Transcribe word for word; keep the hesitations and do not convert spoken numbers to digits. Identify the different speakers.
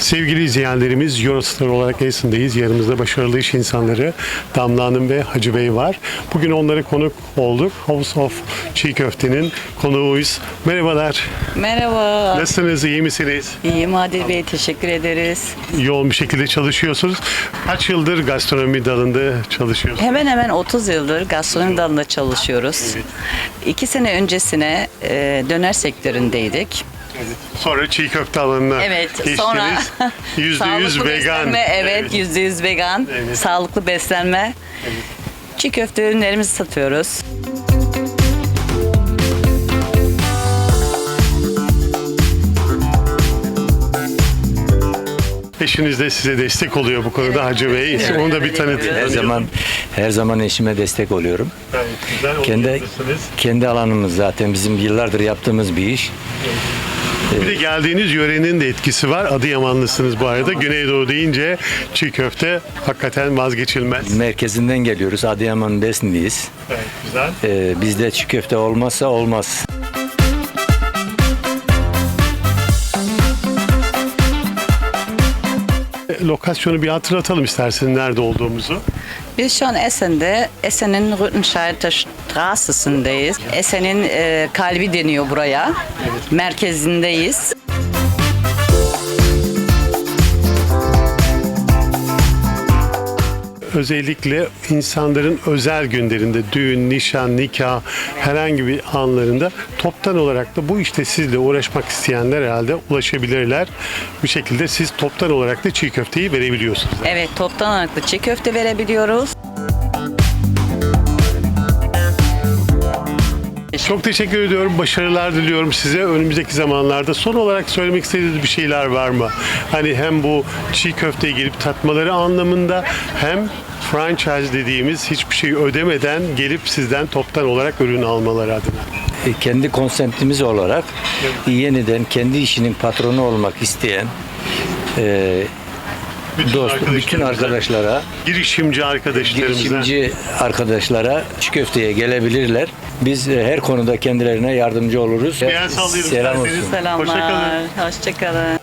Speaker 1: Sevgili izleyenlerimiz, Eurostar olarak Esin'deyiz. Yanımızda başarılı iş insanları Damla Hanım ve Hacı Bey var. Bugün onlara konuk olduk. House of Çiğ Köfte'nin konuğuyuz. Merhabalar.
Speaker 2: Merhaba.
Speaker 1: Nasılsınız? İyi misiniz?
Speaker 2: İyiyim Adil Bey, teşekkür ederiz.
Speaker 1: Yoğun bir şekilde çalışıyorsunuz. Kaç yıldır gastronomi dalında çalışıyorsunuz?
Speaker 2: Hemen hemen otuz yıldır gastronomi dalında çalışıyoruz.
Speaker 1: Evet.
Speaker 2: İki sene öncesine e, döner sektöründeydik.
Speaker 1: Sonra çiğ köfte alanına
Speaker 2: Evet,
Speaker 1: geçtiniz.
Speaker 2: sonra
Speaker 1: yüzde yüz
Speaker 2: sağlıklı
Speaker 1: vegan.
Speaker 2: beslenme, evet, yüzde yüz vegan,
Speaker 1: Evet.
Speaker 2: sağlıklı beslenme. Çiğ köfte ürünlerimizi satıyoruz.
Speaker 1: Eşiniz de size destek oluyor bu konuda Hacı Bey.
Speaker 2: Evet.
Speaker 1: Onu da bir tanıtın.
Speaker 2: Her
Speaker 3: Her zaman her zaman eşime destek oluyorum.
Speaker 1: Gayet güzel,
Speaker 3: Kendi
Speaker 1: oluyorsunuz.
Speaker 3: kendi alanımız zaten bizim yıllardır yaptığımız bir iş.
Speaker 1: Bir de geldiğiniz yörenin de etkisi var. Adıyamanlısınız bu arada. Güneydoğu deyince çiğ köfte hakikaten vazgeçilmez.
Speaker 3: Merkezinden geliyoruz. Adıyaman Besni'yiz.
Speaker 1: Evet, güzel.
Speaker 3: Ee, bizde çiğ köfte olmazsa olmaz.
Speaker 1: Lokasyonu bir hatırlatalım isterseniz nerede olduğumuzu.
Speaker 2: Biz şu an Esen'de, Esen'in Rüttenscheider Straße'sindeyiz. Esen'in e, kalbi deniyor buraya. Merkezindeyiz.
Speaker 1: Özellikle insanların özel günlerinde, düğün, nişan, nikah, herhangi bir anlarında toptan olarak da bu işte sizle uğraşmak isteyenler herhalde ulaşabilirler. Bir şekilde siz toptan olarak da çiğ köfteyi verebiliyorsunuz.
Speaker 2: Evet, toptan ağırlıklı çiğ köfte verebiliyoruz.
Speaker 1: Çok teşekkür ediyorum. Başarılar diliyorum size önümüzdeki zamanlarda. Son olarak söylemek istediğiniz bir şeyler var mı? Hani hem bu çiğ köfteye gelip tatmaları anlamında hem franchise dediğimiz hiçbir şey ödemeden gelip sizden toptan olarak ürün almaları adına.
Speaker 3: E, kendi konseptimiz olarak yeniden kendi işinin patronu olmak isteyen e, dost, bütün arkadaşlara,
Speaker 1: girişimci arkadaşlarımıza.
Speaker 3: girişimci arkadaşlara çiğ köfteye gelebilirler. Biz e, her konuda kendilerine yardımcı oluruz.
Speaker 1: Bir el sallayalım
Speaker 3: Selam
Speaker 1: isterseniz.
Speaker 3: olsun.
Speaker 2: Selamlar.
Speaker 1: Hoşça kalın.
Speaker 2: Hoşça kalın.